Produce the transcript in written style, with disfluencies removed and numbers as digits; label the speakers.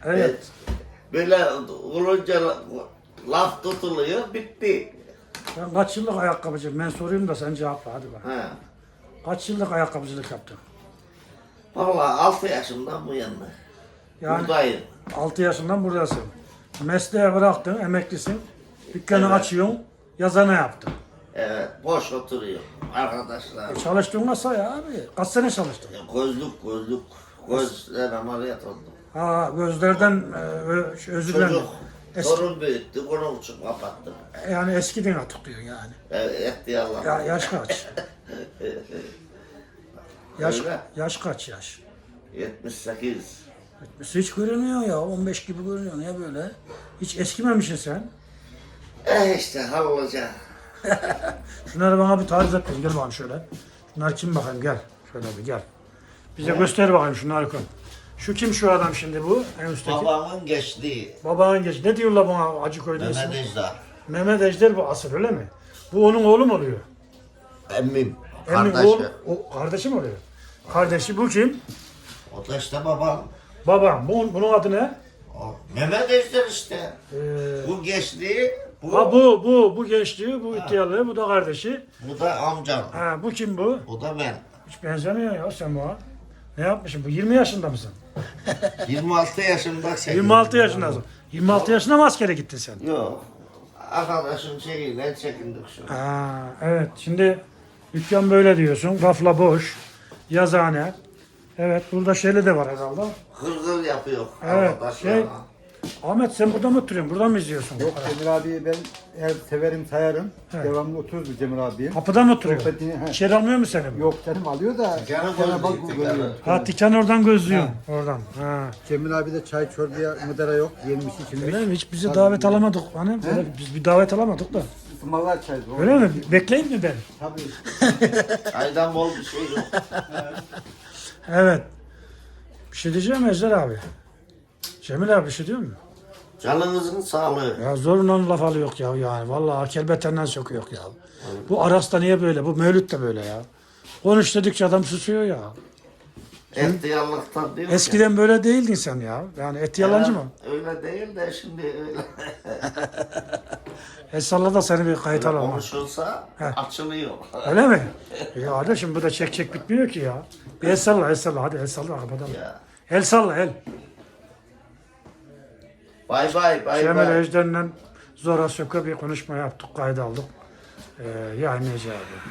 Speaker 1: Evet.
Speaker 2: Böyle olunca laf tutuluyor, bitti.
Speaker 1: Sen kaç yıllık ayakkabıcı? Ben sorayım da sen cevapla hadi bak.
Speaker 2: He.
Speaker 1: Kaç yıllık ayakkabıcılık yaptın?
Speaker 2: Vallahi 6 yaşından bu yana.
Speaker 1: Yani
Speaker 2: Buradayım.
Speaker 1: 6 yaşından buradasın. Mesleği bıraktın, emeklisin. Dükkanı
Speaker 2: Evet.
Speaker 1: açıyorsun, yazana yaptın.
Speaker 2: Evet, boş oturuyor arkadaşlar.
Speaker 1: Çalıştığın nasıl ya abi? Kaç sene çalıştın?
Speaker 2: Gözlük. Gözler ameliyat oldu.
Speaker 1: Ha gözlerden özür dilerim.
Speaker 2: Çocuk,
Speaker 1: Eski,
Speaker 2: sorun büyüttü, onun için kapattım.
Speaker 1: yani eskiden artık diyorsun yani.
Speaker 2: Evet, etti Allah.
Speaker 1: Ya yaş kaç?
Speaker 2: Öyle.
Speaker 1: Yaş kaç yaş?
Speaker 2: 78.
Speaker 1: Hiç görünüyor ya, 15 gibi görünüyor. Niye böyle? Hiç eskimemişsin sen.
Speaker 2: İşte hallolacak.
Speaker 1: Şunları bana bir tarif et. Gel bakalım şöyle. Şunlar kim bakayım gel. Şöyle bir gel. Bize göster bakayım şunları koy. Şu kim şu adam şimdi bu? En üstteki.
Speaker 2: Babamın geçtiği
Speaker 1: Babanın geç. Ne diyorlar bana Acıkoy'da ismi?
Speaker 2: Mehmet Ejder.
Speaker 1: Mehmet Ejder bu asıl öyle mi? Bu onun oğlu mu oluyor?
Speaker 2: Emmim.
Speaker 1: Emin
Speaker 2: Kardeşi.
Speaker 1: oğul, o kardeşi mi oluyor? Kardeşi bu kim?
Speaker 2: O da işte babam.
Speaker 1: Babam. Bunun adı ne?
Speaker 2: O. Mehmet Ejder işte.
Speaker 1: Ee,
Speaker 2: Bu geçtiği,
Speaker 1: ha bu gençliği, bu ihtiyarlığı, bu da kardeşi.
Speaker 2: bu da amcam.
Speaker 1: Ha bu kim bu?
Speaker 2: Bu da ben.
Speaker 1: Hiç benzemiyor ya sen buna. Ne yapmışsın? Bu 20 yaşında mısın?
Speaker 2: 26 yaşımda çekildim.
Speaker 1: 26 yaşındasın. 26 yaşında mı askere gittin sen?
Speaker 2: Yok. Arkadaşım şeyiyle çekindik şu.
Speaker 1: Ha, evet. Şimdi dükkan böyle diyorsun. Rafla boş. Yazıhane. Evet. Burada şeyle de var herhalde.
Speaker 2: Hırgır yapıyor
Speaker 1: Evet,
Speaker 2: arkadaşlarına.
Speaker 1: Ahmet sen burada mı oturuyorsun? Burada mı izliyorsun?
Speaker 3: Yok Cemil abiyi ben her severim sayarım.
Speaker 1: Evet.
Speaker 3: Devamlı otururuz bu Cemil abiye.
Speaker 1: Kapıda mı oturuyorsun?
Speaker 3: Sohbetini- he.
Speaker 1: İçeri almıyor mu seni? bu?
Speaker 3: Yok canım alıyor da
Speaker 2: Canım
Speaker 3: sana bak
Speaker 2: gözlüğü
Speaker 3: görüyor.
Speaker 2: tekrar.
Speaker 1: Ha dükkanı oradan gözlüyorsun. Oradan. Ha.
Speaker 3: Cemil abi de çay çorbaya mıdara yok. Yemiş içilmiş.
Speaker 1: Öyle mi? Hiç bizi davet alamadık. Hani böyle biz bir davet alamadık da.
Speaker 3: Ismarlar çay.
Speaker 1: Öyle mi? Bekleyeyim mi ben?
Speaker 3: Tabii.
Speaker 2: Aydan bol bir şey yok.
Speaker 1: Evet. Bir şey diyeceğim Ejder abi. Cemil abi bir şey diyor mu?
Speaker 2: Canınızın sağlığı.
Speaker 1: Ya zorla laf alıyor ya yani. Vallahi kelbetenden sokuyor ya. Bu Aras'ta niye böyle? Bu Mevlüt de böyle ya. Konuş dedikçe adam susuyor ya.
Speaker 2: Ehtiyarlıktan diyor ki,
Speaker 1: Eskiden böyle değildin sen ya. Yani et yalancı mı?
Speaker 2: Öyle değil de şimdi öyle.
Speaker 1: Esalla da seni bir kayıt alalım.
Speaker 2: Konuşulsa açılıyor.
Speaker 1: Öyle mi? Ya hadi şimdi bu da çek bitmiyor ki ya. Bir el salla hadi el salla kapatalım.
Speaker 2: Ya.
Speaker 1: El salla el.
Speaker 2: Bay bay
Speaker 1: Cemil
Speaker 2: bay.
Speaker 1: Ejder'le Zora Söke bir konuşma yaptık, kayda aldık. Yayınlayacağız.